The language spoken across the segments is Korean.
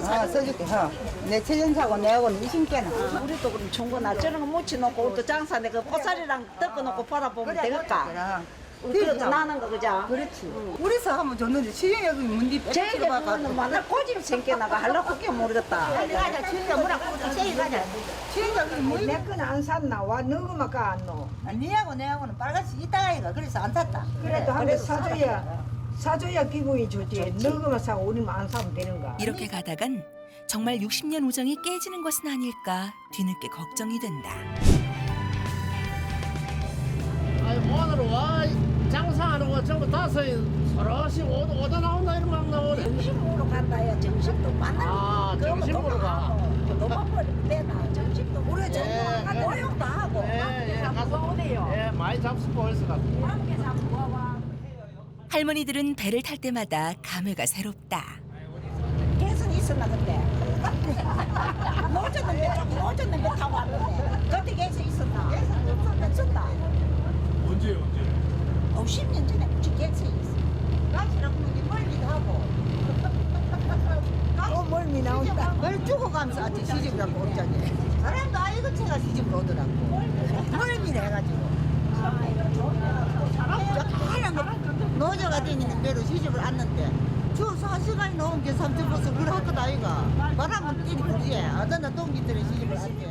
써줄게. 내 체전사고 내하고는 이심께는. 우리도 그럼 중고나 저런 거 묻혀놓고 또 장사인데 그 꽃살이랑 뜯어놓고 팔아보면 되겠까? 그래도 나는 거 그죠? 그렇지. 우리서 하면 좋는데 시행역이 문디 제일 빼빼들어가 그거는 만날 꼬집 생겨나가 하려고 그게 모르겠다. 빨리 가자. 시행역 뭐라고 세일 가자. 시행역이 뭐? 내 거는 안 샀나? 와 너그만 가안 넣어. 니하고 내하고는 빨갛지 이따가 이가 그래서 안 샀다. 그래도 한 개 사줘야 기분이 좋지. 너그만 사고 우리만 안 사면 되는가? 이렇게 가다간 정말 60년 우정이 깨지는 것은 아닐까 뒤늦게 걱정이 된다. 아니 오늘 와 장사하는 거 전부 다섯 서로씩 오다 나온다 이런 막 나오네. 점심으로 간다야. 점심도 만나. 점심으로 가. 너만 버리면 되나? 점심도 우리 예, 점심 모욕도 하고. 가서 오네요. 예, 많이 잡수고 올수 같고. 함께 잡고 와봐. 할머니들은 배를 탈 때마다 감회가 새롭다. 계속 있었나 근데. 노졌는 배 타고 왔는데. 그때 계속 있었나? 없었다. 언제? 10년 전에 우리 계속 있어. 가시라고 하는 게 멀기도 하고. 멀미 나온다. 뭘 주고 가면서 아직 시집을 하고 없잖니. 사람도 아이고 제가 시집을 오더라고. 멀미를 해가지고. 하얀 거 노조가 되는 대로 시집을 왔는데 저 4시간이 넘은 게 삼천버스 그걸 할 것 아이가. 바람은 뛰니 그지. 어쩌나 동기들의 시집을 왔지.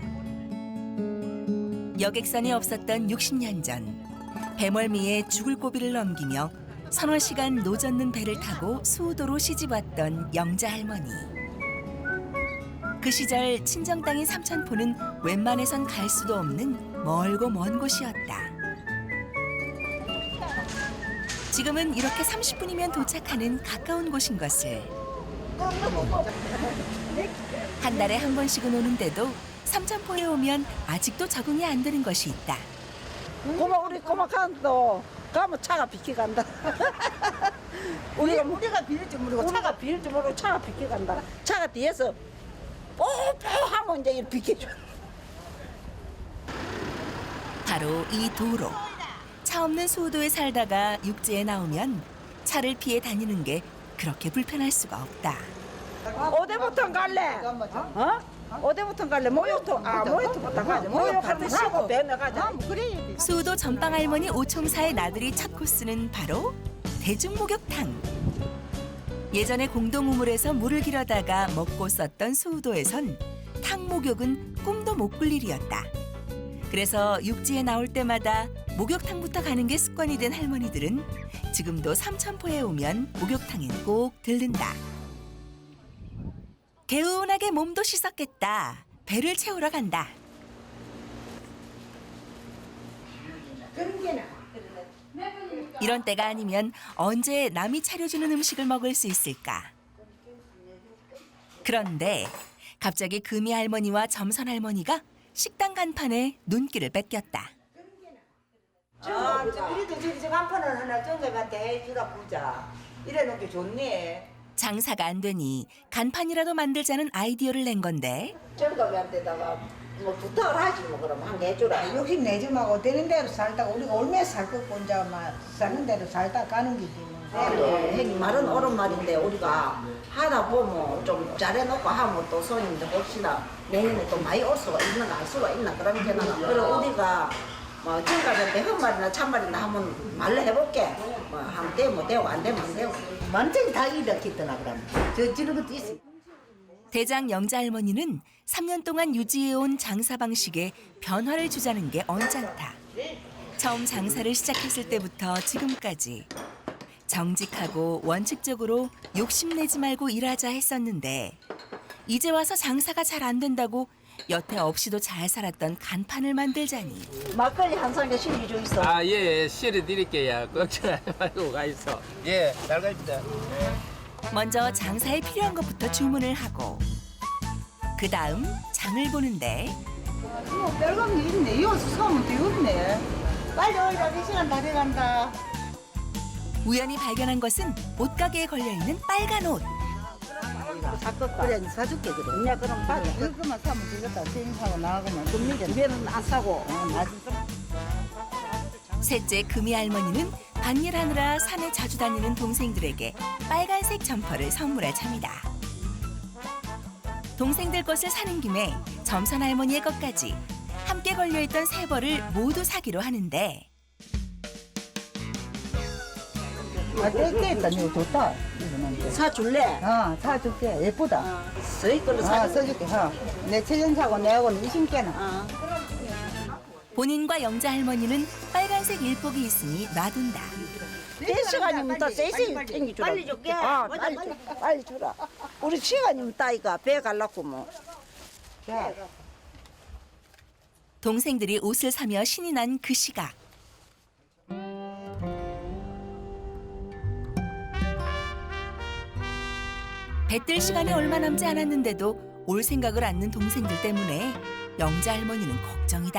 여객선이 없었던 60년 전 배멀미에 죽을 고비를 넘기며 서너 시간 노젓는 배를 타고 수우도로 시집왔던 영자 할머니. 그 시절 친정 땅인 삼천포는 웬만해선 갈 수도 없는 멀고 먼 곳이었다. 지금은 이렇게 30분이면 도착하는 가까운 곳인 것을. 한 달에 한 번씩은 오는데도 삼천포에 오면 아직도 적응이 안 되는 것이 있다. 우리 고마 간도 가면 차가 비켜간다. 우리가 비릴 줄 모르고 차가 비일 줄 모르고 차가 비켜간다. 차가 뒤에서 뽀뽀 하면 이제 이렇게 비켜줘. 바로 이 도로. 차 없는 수우도에 살다가 육지에 나오면 차를 피해 다니는 게 그렇게 불편할 수가 없다. 어디부터 갈래? 어디부터 갈래? 모욕부터 가자. 모욕한테 쉬고 배나 가자. 수우도 전방 할머니 오총사의 나들이 첫 코스는 바로 대중목욕탕. 예전에 공동우물에서 물을 길어다가 먹고 썼던 수우도에선 탕목욕은 꿈도 못 꿀 일이었다. 그래서 육지에 나올 때마다 목욕탕부터 가는 게 습관이 된 할머니들은 지금도 삼천포에 오면 목욕탕엔 꼭 들른다. 개운하게 몸도 씻었겠다. 배를 채우러 간다. 이런 때가 아니면 언제 남이 차려주는 음식을 먹을 수 있을까? 그런데 갑자기 금이 할머니와 점선 할머니가 식당 간판에 눈길을 뺏겼다. 우리도 저기 저 간판을 하나 정가한테 해주라 보자. 이래놓은 게 좋네. 장사가 안 되니 간판이라도 만들자는 아이디어를 낸 건데 정가한테다가 뭐 부탁을 하지 뭐 그럼 한 개 해주라. 욕심 내지 말고 되는 대로 살다가 우리가 얼마나 살 것고 이제 막 사는 대로 살다 가는 게지. 형님 말은 옳은 말인데 우리가 하다 보면 좀 잘해놓고 하면 또 손님들 봅시다. 내년에 또 많이 올 수가 있는가 알 수가 있나 그런 게는 그리고 우리가 뭐 정가한테 헛말이나 참말이나 하면 말로 해볼게. 뭐 하면 되면 되고 안 되면 안 되고. 완전히 다 일으켰더나 그럼. 저런 것도 있어. 대장 영자 할머니는 3년 동안 유지해온 장사 방식에 변화를 주자는 게 언짢다. 처음 장사를 시작했을 때부터 지금까지 정직하고 원칙적으로 욕심내지 말고 일하자 했었는데 이제 와서 장사가 잘 안 된다고 여태 없이도 잘 살았던 간판을 만들자니 막걸리 한 상에 실리 좀 있어. 아, 예, 실어 드릴게요. 걱정하지 말고 가 있어. 예, 잘 갑니다. 먼저 장사에 필요한 것부터 주문을 하고 그 다음 장을 보는데 뭐 별거 있네. 이어서 사면 되겠네. 빨리 오이라 4시간 다 돼간다. 우연히 발견한 것은 옷가게에 걸려있는 빨간 옷. 그래 사줄게 그래. 야 그럼 받아. 이것만 사면 되겠다. 생사고 나가면 금리를. 집에는 안 사고. 셋째 금이 할머니는 밭일하느라 산에 자주 다니는 동생들에게 빨간색 점퍼를 선물할 참이다. 동생들 것을 사는 김에 점선 할머니의 것까지 함께 걸려있던 세 벌을 모두 사기로 하는데 떼있다. 이거 좋다. 이거는. 사줄래? 사줄게. 예쁘다. 저희 걸로 사줄래? 써줄게. 내 최전사고 내하고는 20개나. 본인과 영자 할머니는 빨간색 일복이 있으니 놔둔다. 4시간이면 다 3시 땡기주라. 빨리 줄게. 빨리 주라. 우리 시간이면 따이가 배 갈라고 뭐. 자, 동생들이 옷을 사며 신이 난 그 시각. 배뜰 시간이 얼마 남지 않았는데도 올 생각을 않는 동생들 때문에 영자 할머니는 걱정이다.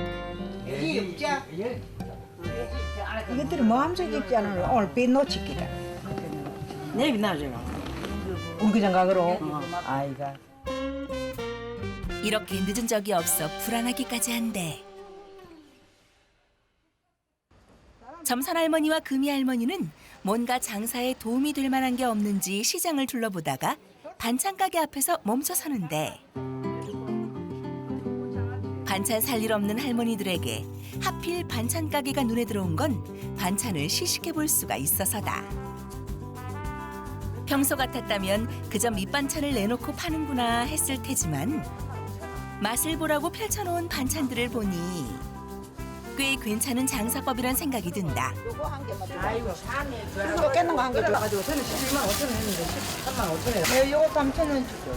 이것들이 마음속 있지 않으면 오늘 배 놓치기다. 내일 나잖아. 울기장 가그로. 아이가. 이렇게 늦은 적이 없어 불안하기까지 한데. 점선 할머니와 금이 할머니는 뭔가 장사에 도움이 될 만한 게 없는지 시장을 둘러보다가 반찬 가게 앞에서 멈춰서는데 반찬 살 일 없는 할머니들에게 하필 반찬 가게가 눈에 들어온 건 반찬을 시식해 볼 수가 있어서다. 평소 같았다면 그저 밑반찬을 내놓고 파는구나 했을 테지만 맛을 보라고 펼쳐놓은 반찬들을 보니 꽤 괜찮은 장사법이란 생각이 든다. 요거 한 개만 줘. 아이고, 그리고 깼는 거 한 개 줘. 가지고 저는 11만 5천 원 했는데 13만 5천 원. 네, 요거 3천 원 주고.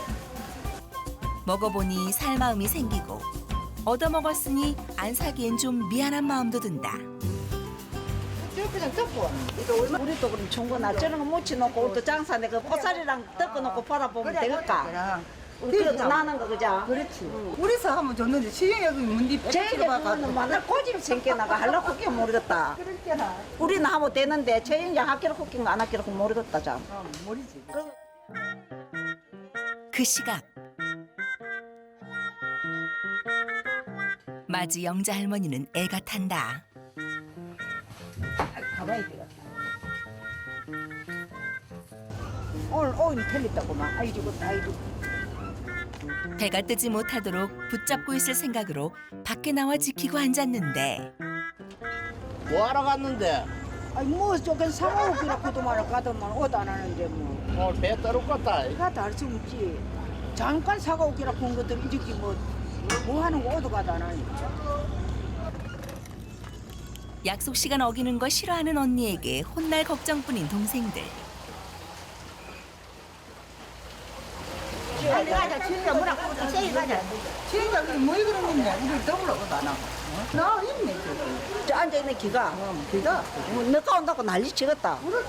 먹어보니 살 마음이 생기고 얻어먹었으니 안 사기엔 좀 미안한 마음도 든다. 그냥 덮고. 우리도 그럼 중고나 저런 거 묻혀놓고 우리도 장사 내가 꽃살이랑 덮어놓고 팔아보면 되겠까? 그래도 나는 거 그자? 그렇지. 우리서 하면 좋는데 시중에 문디 제일 예쁘면 맨날 꼬집 생겨나가 하려고 그게 모르겠다. 그렇잖아. 우리는 하면 되는데 제인이 학교를 웃긴 거 안 학교를 모르겠다 참. 모르지. 그 시각 마지 영자 할머니는 애가 탄다. 가봐야 되겠다. 오늘 오일이 틀렸다고만. 아이 죽었다. 아이 죽었다. 배가 뜨지 못하도록 붙잡고 있을 생각으로 밖에 나와 지키고 앉았는데 뭐하러 갔는데? 아이 뭐 저건 사먹기라 그도만 가더만 옷 안 하는데 뭐. 오늘 배 떨었겠다. 가다 할 수 없지. 잠깐 사가 오기라 본 것들 이렇게 뭐 하는 거 옷도 가다 안 하니. 약속 시간 어기는 거 싫어하는 언니에게 혼날 걱정뿐인 동생들. 빨리 가자. 진짜 뭐라 그러다 세이 가자. 진짜 뭐 그러는데 우리 더불어 것도 안 하고. 나 있네 저기. 저 앉아있는 기가 기가. 너가 온다고 난리 치겠다. 그렇지.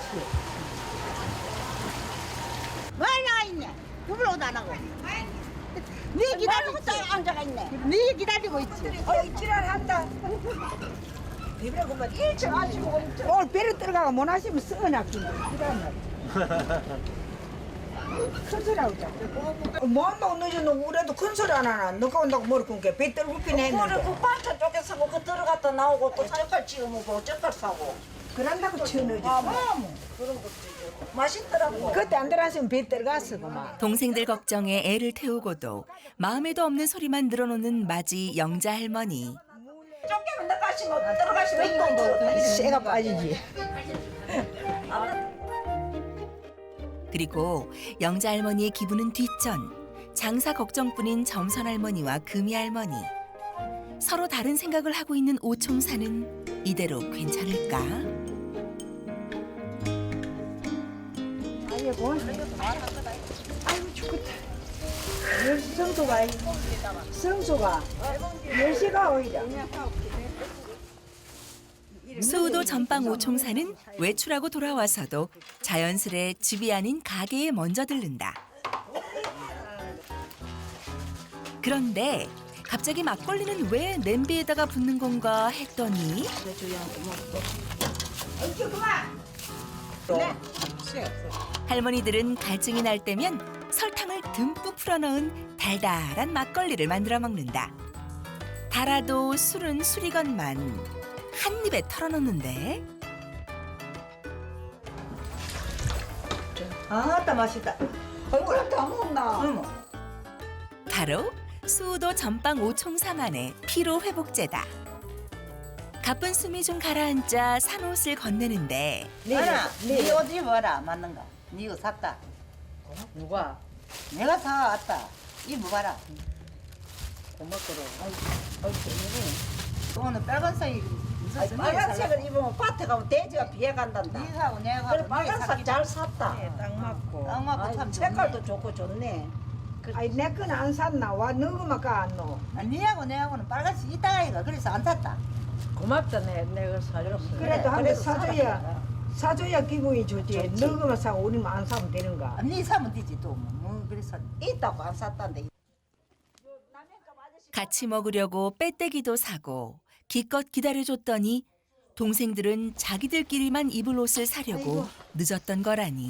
왜 나가 있냐? 더불어 것도 안 하고. 네 기다리고 있지. 앉아가 있네. 네 기다리고 있지. 지랄한다. 비벼 그만 일찍 하시고 오늘 배를 들어가가 못 하시면 썩어나 준다. 지랄나. 큰 소리 하고 자. 뭐 한다고 늦어놓고 우리도 큰 소리 안 하나. 너가 온다고 머리 끊게 배 떨고 피네 그래 했는데. 그 반찬 쪼개 사고 그 들어갔다 나오고 또 젓갈 찍어 먹고 젓갈 사고 그런다고 쳐넣어지. 그런 것도 있고 맛있더라고. 그때 안 들어갔으면 배 들어갔어 그만. 동생들 걱정에 애를 태우고도 마음에도 없는 소리만 늘어놓는 마지 영자 할머니. 쪼개면 나가시면 들어가시면 이거 새가 빠지지. 그리고 영자 할머니의 기분은 뒷전. 장사 걱정뿐인 점선 할머니와 금이 할머니. 서로 다른 생각을 하고 있는 오총사는 이대로 괜찮을까? 아이고. 아이고 죽겠다. 10시 정도가 성수가 10시가 오히려. 수우도 전방 오총사는 외출하고 돌아와서도 자연스레 집이 아닌 가게에 먼저 들른다. 그런데 갑자기 막걸리는 왜 냄비에다가 붓는 건가 했더니 할머니들은 갈증이 날 때면 설탕을 듬뿍 풀어넣은 달달한 막걸리를 만들어 먹는다. 달아도 술은 술이건만 한 입에 털어넣는데 아따 맛있다. 얼굴 다 먹나? 응. 바로 수우도 전방 오총사만의 피로 회복제다. 가쁜 숨이 좀 가라앉자 산옷을 건네는데 나나 네 옷 입어라 맞는 거. 네 이거 샀다. 누가? 내가 사왔다. 입어봐라. 고맙더라. 오늘 빨간색이 무슨 빨간색을 입으면 밭에 가면 돼지가 비해 간단다. 니하고 내가 그래 빨간색 잘 샀다. 딱 맞고. 딱 아, 맞고 참 색깔도 좋고 좋네. 아니 내 건 안 샀나? 와 너그만 가안 노. 니하고 내하고는 빨간색 이따가 이가 그래서 안 샀다. 고맙다 내가 사줬어. 그래도 한 대 사줘야 기분이 좋지. 너그만 사고 우리만 안 사면 되는가? 니 사면 되지 또 뭐 그래서 있다고 안 샀단데. 같이 먹으려고 빼떼기도 사고 기껏 기다려줬더니 동생들은 자기들끼리만 입을 옷을 사려고 늦었던 거라니.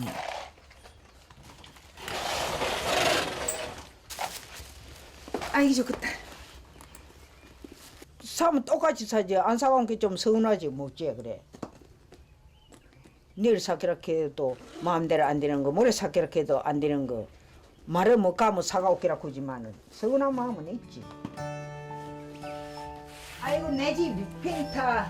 아이고 좋겠다. 사면 똑같이 사지. 안 사온 게 좀 서운하지 뭐지 그래. 내일 사기렇게 해도 마음대로 안 되는 거, 모레 사기렇게 해도 안 되는 거. 말을 못 가면 사가올게라 그지만은 서운한 마음은 있지. 아이고 내 집 팽타.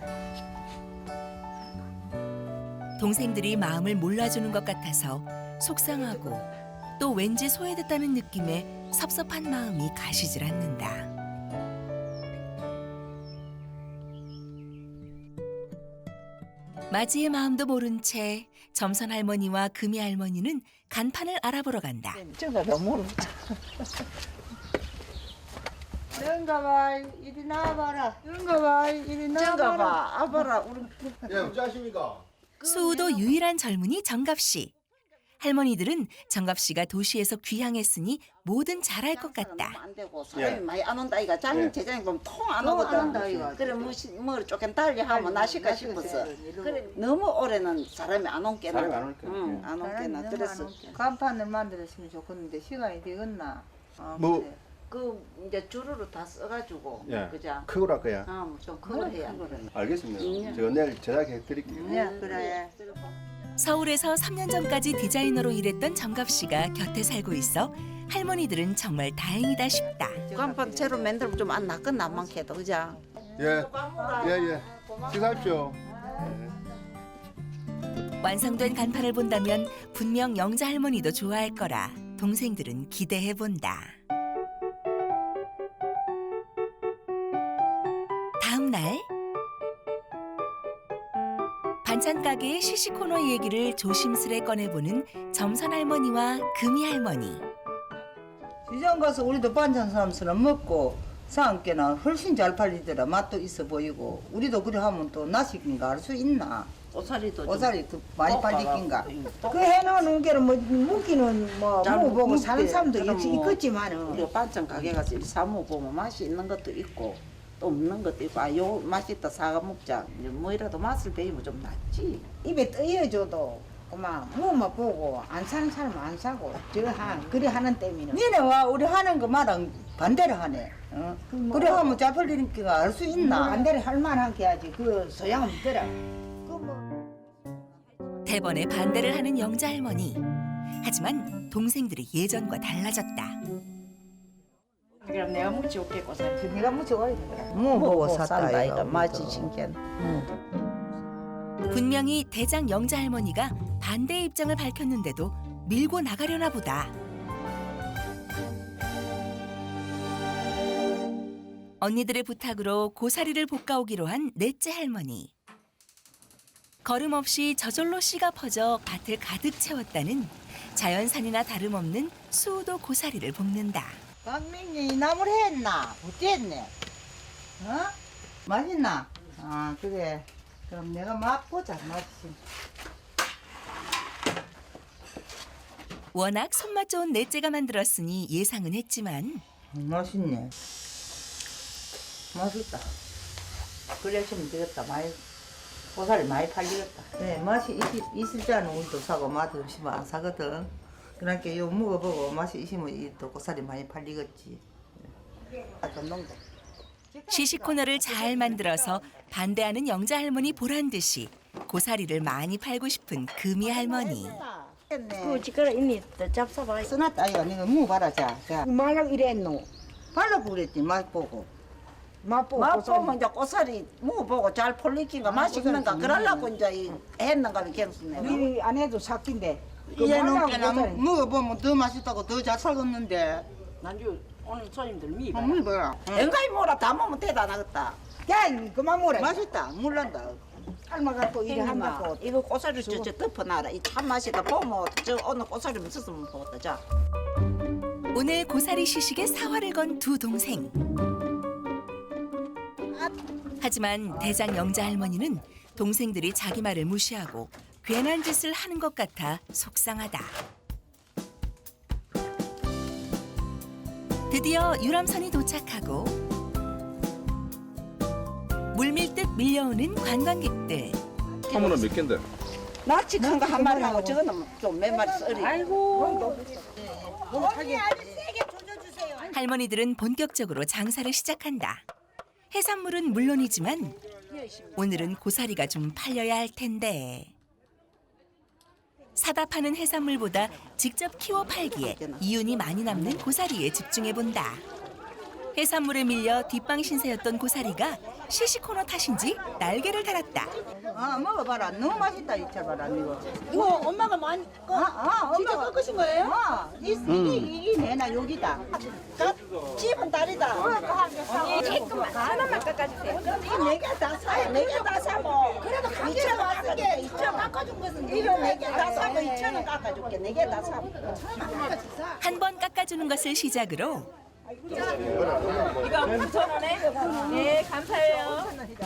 동생들이 마음을 몰라주는 것 같아서 속상하고 또 왠지 소외됐다는 느낌에 섭섭한 마음이 가시질 않는다. 마지의 마음도 모른 채 점선 할머니와 금이 할머니는 간판을 알아보러 간다. 저가 너무 그런가 봐 이리 나와봐라. 그런가 봐. 이리 저가 봐 아봐라 우리 예, 어찌하십니까? 수우도 유일한 젊은이 정갑 씨. 할머니들은 정갑 씨가 도시에서 귀향했으니 뭐든 잘할 것 같다. 안 되고 사람이 예. 많이 안 온다 이가 장 예. 제장이 보면 통 안 통 오거든. 안 온다, 이거. 그래 뭐 조금 달리 하면 나실까 싶었어. 그래 너무 오래는 사람이 안 온 게나. 사람이 안 올 게나. 응, 안 온 게나. 그래서 간판을 만들었으면 좋겠는데 시간이 되겠나? 뭐 그래. 그 이제 주르로 다 써가지고 예. 그자. 크고라 거야. 좀 그걸 해야. 알겠습니다. 제가 내일 제작해 드릴게요. 네, 그래. 서울에서 3년 전까지 디자이너로 일했던 정갑 씨가 곁에 살고 있어 할머니들은 정말 다행이다 싶다. 간판 새로 만들면 좀 안 낫겠나 안 많게도 그자. 예, 예. 식사하십시오. 완성된 간판을 본다면 분명 영자 할머니도 좋아할 거라 동생들은 기대해 본다. 다음 날 반찬 가게의 시시 코너 얘기를 조심스레 꺼내보는 점선 할머니와 금이 할머니. 시장 가서 우리도 반찬 사람처럼 먹고 사람께나 훨씬 잘 팔리더라. 맛도 있어 보이고 우리도 그래 하면 또 나시긴가 알 수 있나? 옷살이도 오살이 더 많이 팔리긴가? 그 해놓은 게는 뭐 무기는 뭐 잘 먹어보고 사는 먹게. 사람도 그럼 뭐 있겠지만은 우리가 반찬 가게 가서 이렇게 사 먹어보면 맛이 있는 것도 있고 또 없는 것도 있고 아 요 맛있다 사가 먹자 이제 뭐이라도 맛을 배우면 좀 낫지. 입에 떠여줘도 그만 뭐만 보고 안 사는 사람은 안 사고 그리 하는 때문에 니네 와 우리 하는 거 말은 반대로 하네. 어? 그래 하면 잘 팔리니까 알 수 있나? 반대로 할 만한 게 하지 그 소양 없더라. 대번에 반대를 하는 영자 할머니. 하지만 동생들이 예전과 달라졌다. 그럼 내가 묻지 없겠고 살. 네가 묻혀가야 되더라. 뭐 보고 샀다 샀다 이거 이거 맛이 신기한. 분명히 대장 영자 할머니가 반대의 입장을 밝혔는데도 밀고 나가려나 보다. 언니들의 부탁으로 고사리를 볶아오기로 한 넷째 할머니. 걸음 없이 저절로 씨가 퍼져 밭을 가득 채웠다는 자연산이나 다름없는 수우도 고사리를 볶는다. 강민이 나물 했나? 어디 했네? 어? 맛있나? 아 그래. 그럼 내가 맛보자 맛이. 워낙 손맛 좋은 넷째가 만들었으니 예상은 했지만 맛있네. 맛있다. 그래 주면 되겠다. 많이 고사리 많이 팔리겠다. 네, 맛이 있을 때는 우리도 사고 맛 없으면 안 사거든. 그러니까 요 먹어보고 맛이 있으면 이또 고사리 많이 팔리겠지. 아좀 농도. 시식 코너를 잘 만들어서 반대하는 영자 할머니 보란 듯이 고사리를 많이 팔고 싶은 금이 할머니. 그 지그라 이니 잡숴봐. 써놨다 이거 니가 먹어봐라 자. 말랑 이랬노. 발라보고 그랬지 맛보고. 맛보고 맛보면 이제 고사리 먹어보고 잘 풀리긴가 맛있는가 그러려고 이제 했는가 경수네. 우리 아내도 삭긴데. 이제 말랑 넘게나 고사리. 먹어보면 더 맛있다고 더 잘 살겠는데. 난주 오늘 손님들 미. 한번 봐라. 엔가이 뭐라 다 먹으면 대단하겠다. 야, 그만 먹으라. 맛있다. 물란다. 삶아갖고 이래 형님아, 한다고. 이거 고사리 저 덮어놔라. 이 참 맛이다. 보면 저 오늘 고사리 없었으면 보겠다. 자. 오늘 고사리 시식에 사활을 건 두 동생. 하지만 대장 영자 할머니는 동생들이 자기 말을 무시하고 괜한 짓을 하는 것 같아 속상하다. 드디어 유람선이 도착하고 물밀듯 밀려오는 관광객들. 하모는 몇 갠데? 낚시 큰 거 한 마리 하고 저거는 좀 몇 마리 썰이. 아이고. 할머니들은 본격적으로 장사를 시작한다. 해산물은 물론이지만 오늘은 고사리가 좀 팔려야 할 텐데. 사다 파는 해산물보다 직접 키워 팔기에 이윤이 많이 남는 고사리에 집중해본다. 해산물에 밀려 뒷방 신세였던 고사리가 시식 코너 탓인지 날개를 달았다. 아 먹어봐라. 너무 맛있다 이차 봐라 이거. 이거 엄마가 많이 진짜 꺾으신 거예요? 이게 내나 여기다. 집은 다리다. 하나만 깎아주세요. 네개다 사. 네개다 사고. 그래도 강제로 왔을 게 2천 깎아준 것은 이거 4개 다 사고 2천원 깎아줄게. 4개 다 사고. 한 번 깎아주는 것을 시작으로 이거 9,000원에? 네, 감사해요.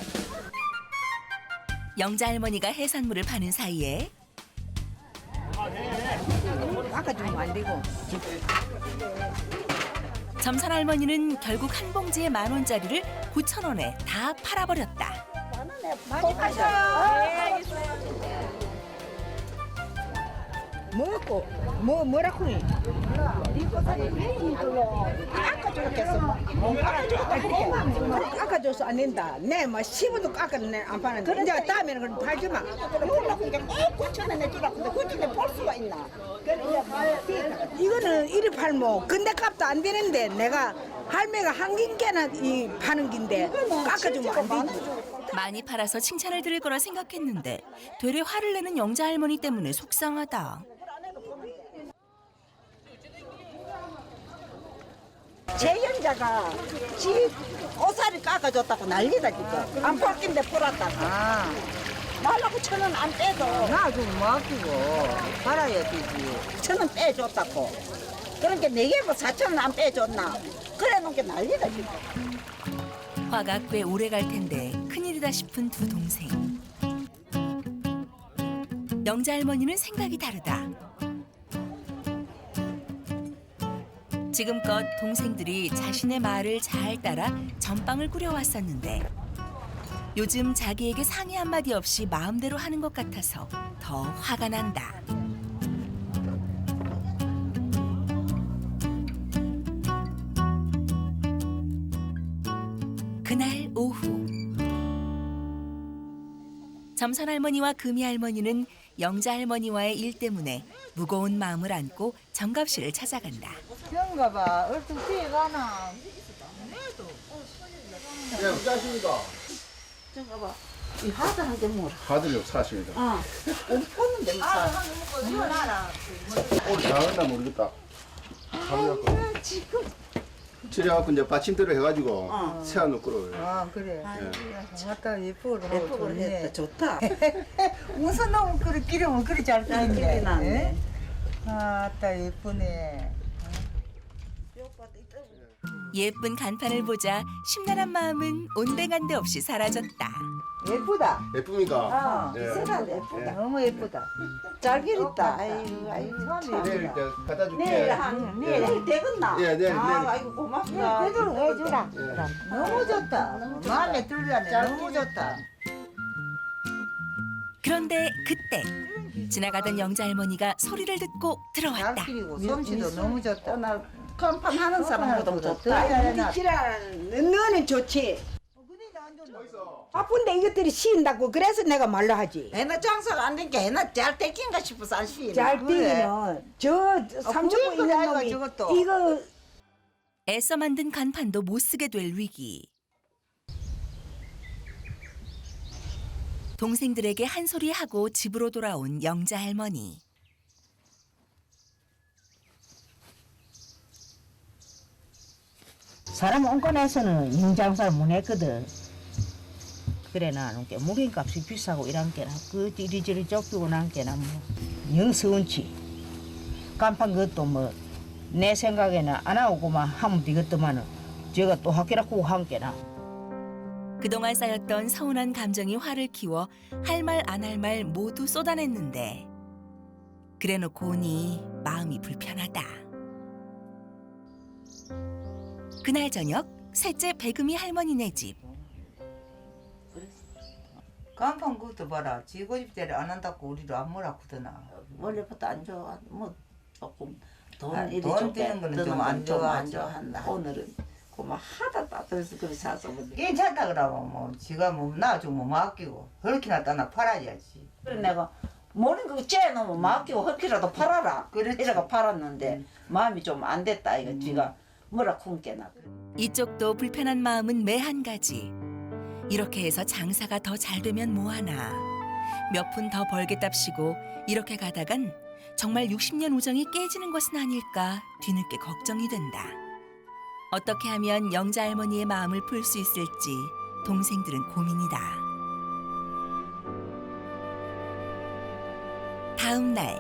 영자 할머니가 해산물을 파는 사이에 깎아주면 안 되고. 점선 할머니는 결국 한 봉지에 10,000원짜리를 9,000원에 다 팔아버렸다. 먹고 뭐라고 해? 깎아줘서 안 된다. 내뭐 10원도 깎아내 안 파는데 이제 다음에는 그럼 팔지 마. 이걸로 이제 꼭 9천원 내주라고. 근데 그렇게 볼 수가 있나? 이거는 이리 팔모 근데 값도 안 되는데 내가 할매가 한 긴게나 이 파는 긴데 깎아주면 안 되지. 많이 팔아서 칭찬을 들을 거라 생각했는데 되레 화를 내는 영자 할머니 때문에 속상하다. 재연자가 지 오사리 깎아줬다고 난리다 지금. 안 팔긴데 풀었다가. 말라고 1,000원 안 빼도 나좀 맡기고 팔아야 되지. 1,000원 빼줬다고. 그러니까 4개고 4,000원 안 빼줬나. 그래 놓은 게 난리다 지금. 화가 꽤 오래 갈 텐데 큰일이다 싶은 두 동생. 영자 할머니는 생각이 다르다. 지금껏 동생들이 자신의 말을 잘 따라 전빵을 꾸려왔었는데 요즘 자기에게 상의 한마디 없이 마음대로 하는 것 같아서 더 화가 난다. 그날 오후 점선 할머니와 금이 할머니는 영자 할머니와의 일 때문에 무거운 마음을 안고 정갑씨를 찾아간다. 그런가 봐. 얼른 뛰어가나. 예, 어쩌십니까? 저거 봐. 이 하드한테 뭐라. 하드를 사십니다. 우리 꽂는데 뭐 사. 오늘 잘했나 모르겠다. 하드갖고. 지려갖고 이제 받침대로 해가지고 세안을 끌어요. 아 그래. 맞다 예쁘고 예쁘고 했다. 좋다. 무슨 놈 그래 기름은 그리 잘 기름이 뜨는데. 나네. 아따 예쁘네. 예쁜 간판을 보자 심란한 마음은 온데간데 없이 사라졌다. 예쁘다. 예쁩니까? 예. 세상 예쁘다. 너무 예쁘다. 잘 기렸다. 아이고 아이고 참. 내일 이제 갖다 줄게. 내일 되겠나? 예, 내일, 아, 내일. 아이고 고맙다. 되도록 해주라. 예. 너무 좋다. 마음에 들라네. 너무 좋다. 그런데 그때 지나가던 영자 할머니가 소리를 듣고 잘 들어왔다. 기리고 솜씨도 너무 좋다. 오늘 간판 하는 사람보다 더 좋다. 잘해놨다. 지랄 너는 좋지. 어디서? 바쁜데 이것들이 쉬인다고 그래서 내가 말로 하지. 해나 장사가 안 된 게 해나 잘 떼긴가 싶어서 안 쉬네. 잘 그래. 뛰기는 저 삼천포 그럴 있는 거야, 놈이 저것도. 이거 애써 만든 간판도 못 쓰게 될 위기. 동생들에게 한 소리 하고 집으로 돌아온 영자 할머니. 사람 엉꺼내서는 인장사를 못 했거든. 그래 나는 게 무게값이 비싸고 이런 게나 그 이리저리 쫓기고 난 게나 뭐 영서운치. 간판 그것도 뭐 내 생각에는 안 하고만 하면 되겠더만은 제가 또 학기라고 한 게나. 그동안 쌓였던 서운한 감정이 화를 키워 할 말 안 할 말 모두 쏟아냈는데 그래놓고 오니 마음이 불편하다. 그날 저녁 셋째 배금이 할머니네 집. 간판 그것도 봐라. 지고집대를 안 한다고 우리도 안 뭐라 그러나. 원래부터 안 좋아. 뭐 조금 돈 아, 이리 돈 좋게 드는 거는 드는 좀안 건 좀 안 좋아하지. 좋아한다. 오늘은 그만 하다 따뜻해서 그래 사서 뭐. 괜찮다 그러면 뭐 지가 뭐 나주면 맡기고 그렇게나 따나 팔아야지. 그래 내가 모르는 거 째놓으면 맡기고 헐키라도 팔아라. 그렇지. 이래가 팔았는데 마음이 좀 안 됐다 이거 지가 뭐라 쿵깨나. 이쪽도 불편한 마음은 매 한 가지. 이렇게 해서 장사가 더 잘 되면 뭐하나. 몇 푼 더 벌겠답시고 이렇게 가다간 정말 60년 우정이 깨지는 것은 아닐까 뒤늦게 걱정이 된다. 어떻게 하면 영자 할머니의 마음을 풀 수 있을지 동생들은 고민이다. 다음 날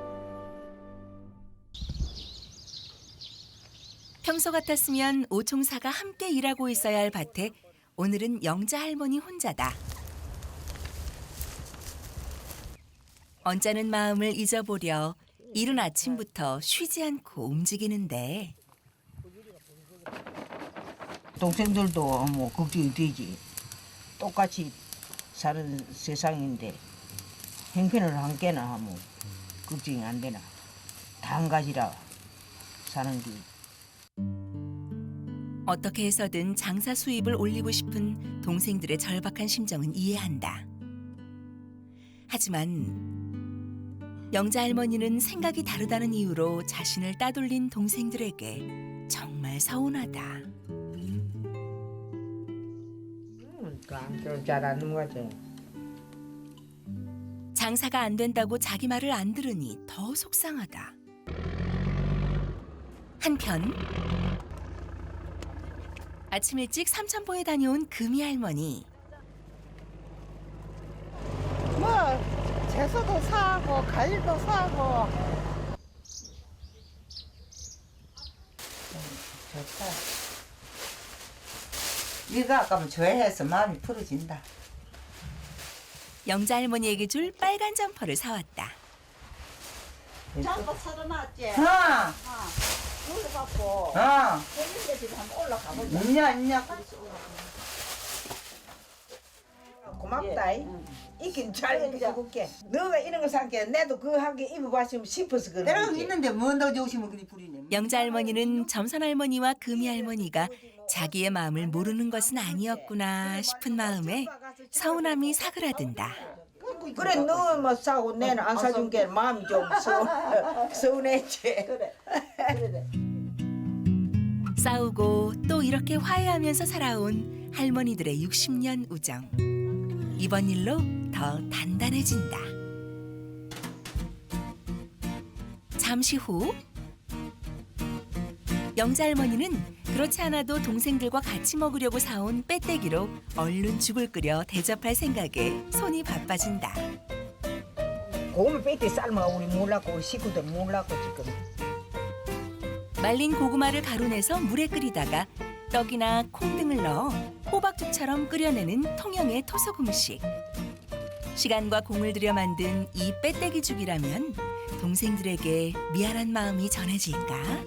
평소 같았으면 오총사가 함께 일하고 있어야 할 밭에 오늘은 영자 할머니 혼자다. 언짢은 마음을 잊어보려 이른 아침부터 쉬지 않고 움직이는데 동생들도 뭐 걱정이 되지. 똑같이 사는 세상인데 형편을 한 개나 하면 걱정이 안 되나. 다 한 가지라 사는 게. 어떻게 해서든 장사 수입을 올리고 싶은 동생들의 절박한 심정은 이해한다. 하지만 영자 할머니는 생각이 다르다는 이유로 자신을 따돌린 동생들에게 정말 서운하다. 잘하는 거지. 장사가 안 된다고 자기 말을 안 들으니 더 속상하다. 한편 아침 일찍 삼천포에 다녀온 금이 할머니. 뭐 채소도 사고 과일도 사고 좋다. 네가 아까면 좋아해서 마음이 풀어진다. 영자 할머니에게 줄 빨간 점퍼를 사왔다. 잠깐 사려놨지. 아, 올려갖고 아, 했는데 지금 한번 올라가 보자. 있냐. 고맙다. 이긴 잘 입어줄게. 너가 이런 거 산게 내도 그 하게 입어봤으면 싶어서 그런 내가 거지. 있는데 뭐더 좋으시면 그리 부리네. 영자 할머니는 점선 할머니와 금이 할머니가 자기의 마음을 모르는 것은 아니었구나 싶은 마음에 서운함이 사그라든다. 그래 너만 사고 내는 안 사준 게 마음이 좀 서운했지. 그래. 싸우고 또 이렇게 화해하면서 살아온 할머니들의 60년 우정. 이번 일로 더 단단해진다. 잠시 후 영자 할머니는 그렇지 않아도 동생들과 같이 먹으려고 사온 빼떼기로 얼른 죽을 끓여 대접할 생각에 손이 바빠진다. 고기 빼때 삶아 우리 몰랐고 우리 식구들 몰랐고 지금. 말린 고구마를 가루내서 물에 끓이다가 떡이나 콩 등을 넣어 호박죽처럼 끓여내는 통영의 토속 음식. 시간과 공을 들여 만든 이 빼떼기 죽이라면 동생들에게 미안한 마음이 전해질까?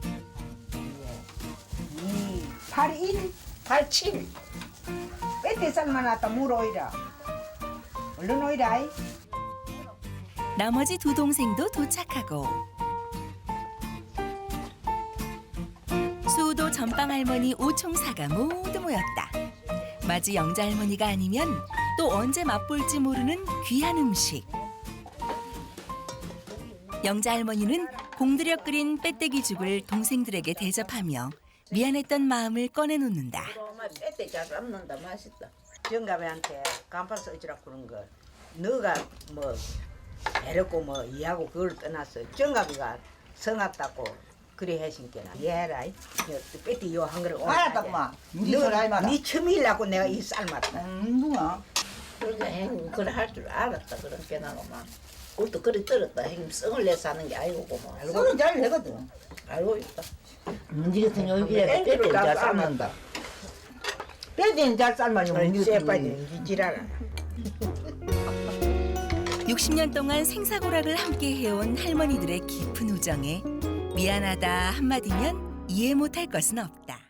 81, 87. 빼때 삶아놨다 물 오이라. 얼른 오이라. 나머지 두 동생도 도착하고 수우도 전방 할머니 오총사가 모두 모였다. 마지 영자 할머니가 아니면 또 언제 맛볼지 모르는 귀한 음식. 영자 할머니는 공들여 끓인 빼떼기죽을 동생들에게 대접하며 미안했던 마음을 꺼내놓는다. 엄마 빼때 잘 삶는다 맛있다. 정갑이한테 간판 써주라고 그런 거 너가 뭐 애롭고 뭐 이하고 그걸 떠났어. 정갑이가 성았다고 그래 해신께나 얘라 빼띠 요한 그릇 알았다구만. 니 소리 마라. 니 처음이라고 내가 이 삶았다. 누가? 그러니까 행 그래 할 줄 알았다 그런 게 나고 막 그것도 그리 들었다 행 성을 내서 하는 게 아니고 뭐 소리 잘 내거든. 알고 있다. 니 같은 여기에 빼떼 잘 삶는다. 빼떼는 잘 삶아니 니 쎄빠지 지랄아. 60년 동안 생사고락을 함께 해온 할머니들의 깊은 우정에 미안하다 한마디면 이해 못할 것은 없다.